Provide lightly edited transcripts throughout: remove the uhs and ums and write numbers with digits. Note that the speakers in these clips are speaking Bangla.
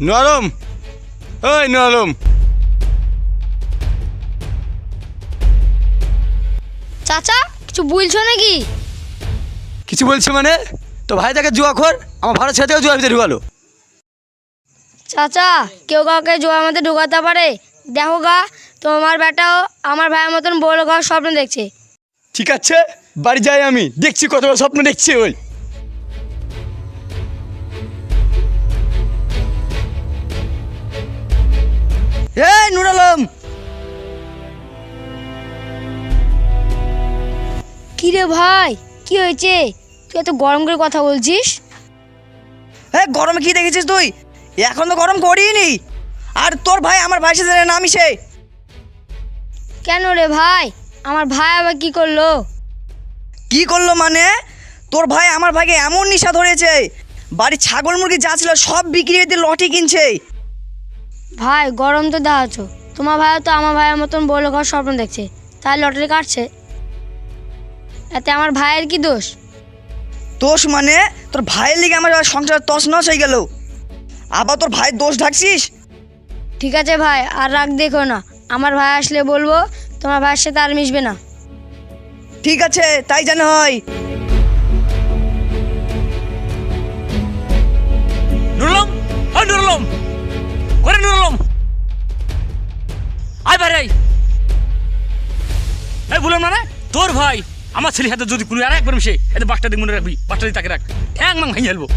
নরম, ওই নরম। চাচা কিছু বলছো নাকি? কিছু বলছি মানে? তো ভাই তাকে জুয়া খোর, আমার ভাড়া ছেড়ে থেকে জুয়ার ভিতরে ঢুকালো। চাচা কেউ কাউকে জোয়ার মধ্যে ঢোকাতে পারে? দেখো গা, তোমার বেটাও আমার ভাইয়ের মতন বড় ঘর স্বপ্ন দেখছে। ঠিক আছে, বাড়ি যাই, আমি দেখছি কত বড় স্বপ্ন দেখছি। ওই এই নুর আলম, কি রে ভাই, কি হয়েছে? তুই এত গরম করে কথা বলছিস? হ্যাঁ, গরমে কি দেখেছিস তুই? এখন তো গরম করিনি। আর তোর ভাই আমার ভাইয়ের সাথে না মিশে। কেন রে ভাই, আমার ভাই আবার কি করলো? কি করলো মানে? তোর ভাই আমার ভাইকে এমন নেশা ধরেছে, বাড়ির ছাগল মুরগি যা ছিল সব বিক্রি করে দিয়ে লটি কিনছে। ভাই গরম তো দেখাচ্ছ, তোমার ভাইও তো আমার ভাইয়ের মতন বড় ঘর স্বপ্ন দেখছে, তাই লটারি কাটছে। এতে আমার ভাইয়ের কি দোষ? দোষ মানে? তোর ভাইয়ের লিগে আমার সংসার তছনছ হয়ে গেল, আবার তোর ভাইয়ের দোষ ঢাকছিস? ঠিক আছে ভাই, আর রাগ দেখো না, আমার ভাই আসলে বলবো তোমার ভাইয়ের সাথে আর মিশবে না। ঠিক আছে, তাই যেন হয়। নুরলম, ওই নুরলম, করে নুরলম, আয় ভাই রে। এই বললাম না রে, তোর ভাই আমার ছেলের হাতে যদি কোনো আর একবার মিশে, এতে বাসটা দিক মনে রাখবি, বাসটা দিয়ে তাকে রাখ, ঠ্যাং মাং ভাঙিয়ে ফেলবো।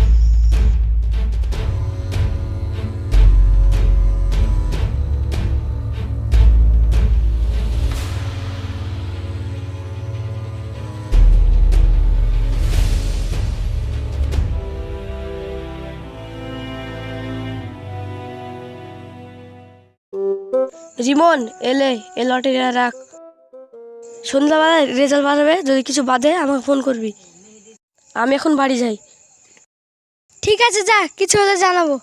রিমন এলে এ লটারি রাখ, সন্ধ্যাবেলায় রেজাল্ট বাড়াবে, যদি কিছু বাদে আমাকে ফোন করবি। আমি এখন বাড়ি যাই। ঠিক আছে যা, কিছু হলে জানাবো।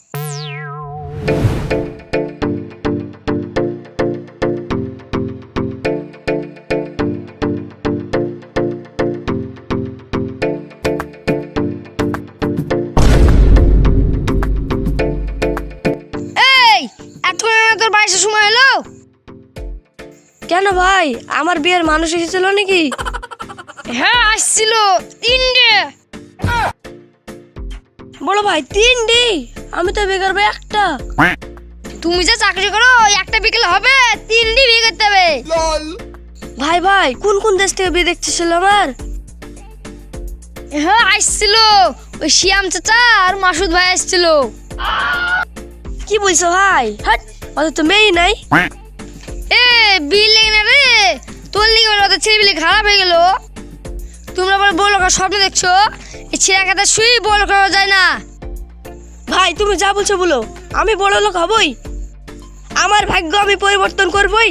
এই এতক্ষণ তোর বাড়ির সময় হলো কেন ভাই? আমার বিয়ের মানুষ এসেছিল নাকি? হ্যাঁ আসছিল, তিনটে। বড় ভাই তিনটে? আমি তো বিয়ে করবো একটা। তুমি যে চাকরি করো একটা বিকেলে হবে, তিনটে বিয়ে করতে হবে। ভাই ভাই কোন কোন দেশ থেকে বিয়ে দেখতেছিল আমার? হ্যাঁ আসছিল, ওই শিয়াম চাচা আর মাসুদ ভাই আসছিল। কি বলছো ভাই? হাট, ওদের তো মেয়েই নাই। এ বিল লেগে না রে, তোর লিগে ওদের ছেলেপিলে খারাপ হয়ে গেল। তোমরা আবার বড় লোকের স্বপ্ন দেখছো, এই ছেঁড়া কাটা শুই বড় লোক হওয়া যায় না। ভাই তুমি যা বলছো বলো, আমি বড় লোক হবই, আমার ভাগ্য আমি পরিবর্তন করবই।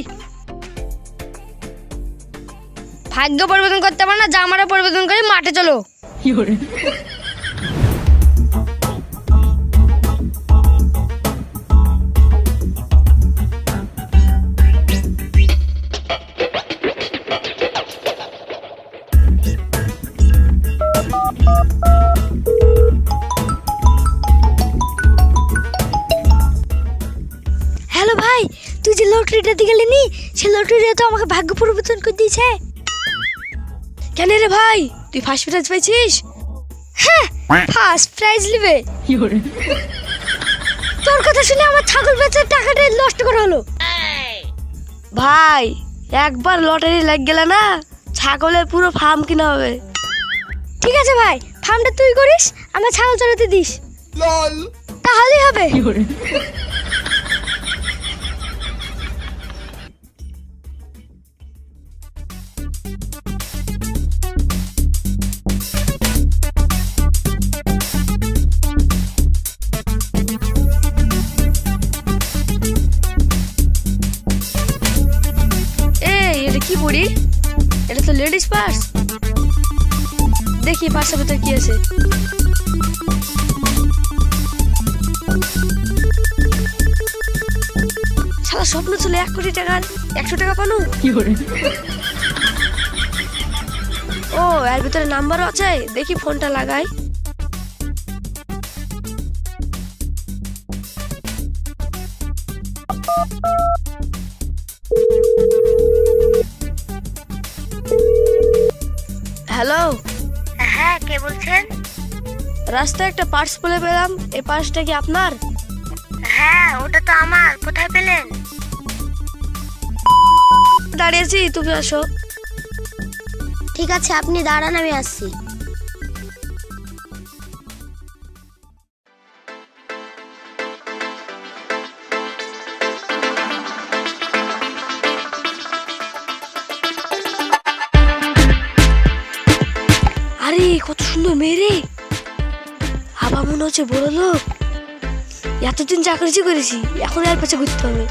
ভাগ্য পরিবর্তন করতে পারো না, জামাটা পরিবর্তন করে মাঠে চলো। হ্যালো ভাই, তুই যে লটারিটা দিয়ে গেলি নি, সে লটারিটা তো আমাকে ভাগ্য পরিবর্তন করে দিয়েছে। কেন রে ভাই, তুই ফার্স্ট প্রাইজ পেয়েছিস? হ্যাঁ ফার্স্ট প্রাইজ নেবে। তোর কথা শুনে আমার ছাগল বেচার টাকাটা নষ্ট করা হলো। ভাই একবার লটারি লাগ গেলে না, ছাগলের পুরো ফার্ম কিনা হবে। ঠিক আছে ভাই, ফার্মটা তুই করিস, আমার ছাগল চড়াতে দিস, তাহলেই হবে। কি পড়ি? এটা তো লেডিস পার্স। দেখি পার্সের ভিতর কি আছে। সারা স্বপ্ন ছিল 1 কোটি টাকার, 100 টাকা পানো। ও এর ভিতরে নাম্বারও আছে, দেখি ফোনটা লাগাই। হ্যালো, হ্যাঁ, কে বলছেন? রাস্তায় একটা পার্স ফেলে পেলাম, এই পার্সটা কি আপনার? হ্যাঁ, ওটা তো আমার। কোথায় পেলেন? দাঁড়িয়েছি, তুমি আসো। ঠিক আছে, আপনি দাঁড়ান, আমি আসছি। আরে কত সুন্দর মেয়ে রে, আবার মনে হচ্ছে বড় লোক। এতদিন চাকরি করেছি, এখন আর পাশে ঘুরতে হবে।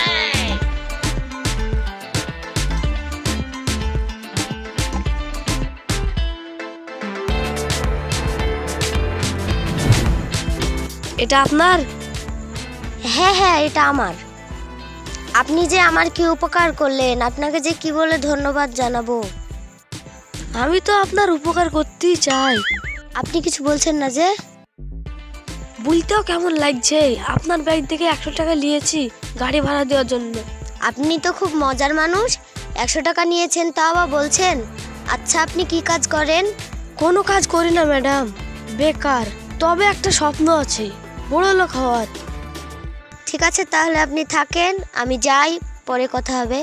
এটা আপনার? হ্যাঁ হ্যাঁ, এটা আমার। আপনি যে আমার কি উপকার করলেন, আপনাকে যে কি বলে ধন্যবাদ জানাবো। আমি তো আপনার উপকার করতেই চাই। আপনি কিছু বলছেন না যে? বলতেও কেমন লাগছে, আপনার ব্যাগ থেকে 100 টাকা নিয়েছি গাড়ি ভাড়া দেওয়ার জন্য। আপনি তো খুব মজার মানুষ। 100 টাকা নিয়েছেন, তাও আবার বলছেন। আচ্ছা, আপনি কি কাজ করেন? কোনো কাজ করি না ম্যাডাম, বেকার। তবে একটা স্বপ্ন আছে, বড় লোক হওয়ার। ঠিক আছে, তাহলে আপনি থাকেন, আমি যাই, পরে কথা হবে।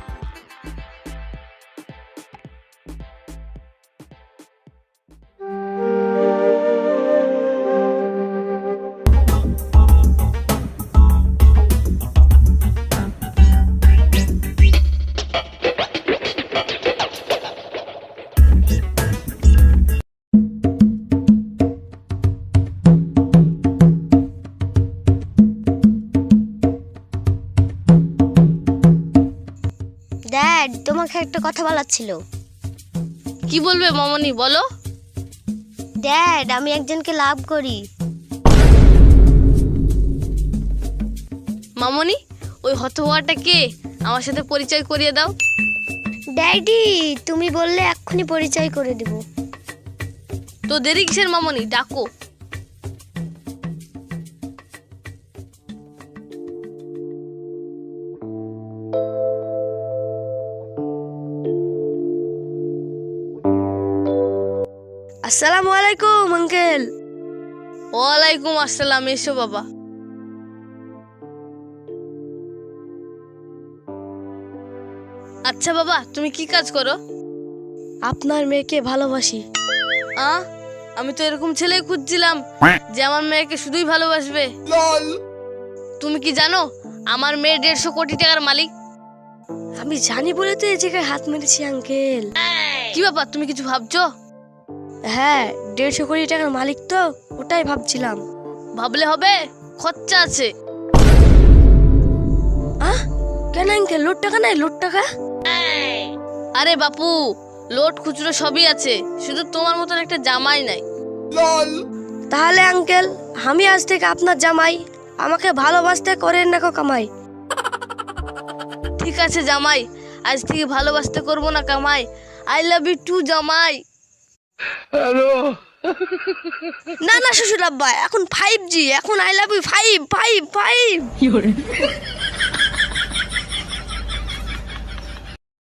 ড্যাড, তোমাকে একটা কথা বলার ছিল। কি বলবে মামনি, বলো। ড্যাড, আমি একজনকে লাভ করি। মামনি, ওই হতভাগাটা কে? আমার সাথে পরিচয় করিয়ে দাও। ড্যাডি, তুমি বললে এক্ষুনি পরিচয় করে দেব। তো দেরি কিসের মামনি, ডাকো। আসসালামু আলাইকুম আঙ্কেল। ওয়ালাইকুম আসসালাম, এসো বাবা। আচ্ছা বাবা, তুমি কি কাজ করো? আপনার মেয়েকে ভালোবাসি। আমি তো এরকম ছেলেই খুঁজছিলাম যে আমার মেয়েকে শুধুই ভালোবাসবে। তুমি কি জানো আমার মেয়ে 150 কোটি টাকার মালিক? আমি জানি বলে তো এই জায়গায় হাত মেরেছি আঙ্কেল। কি ব্যাপার, তুমি কিছু ভাবছো? হ্যাঁ, 150 কোটি টাকার মালিক তো, ওটাই ভাবছিলাম। ভাবলে হবে, খরচা আছে। কেন আঙ্কেল, লোট টাকা নাই? লোট টাকা? আরে বাপু, লোট খুচরো সবই আছে, শুধু তোমার মতন একটা জামাই নাই। তাহলে আঙ্কেল, আমি আজ থেকে আপনার জামাই, আমাকে ভালোবাসতে করেন না কো কামাই। ঠিক আছে জামাই, আজ থেকে ভালোবাসতে করবো না কামাই। আই লাভ ইউ টু জামাই। না না শ্বশুর আব্বা, এখন 5G, এখন আই লাভ ইউ 5 5 5।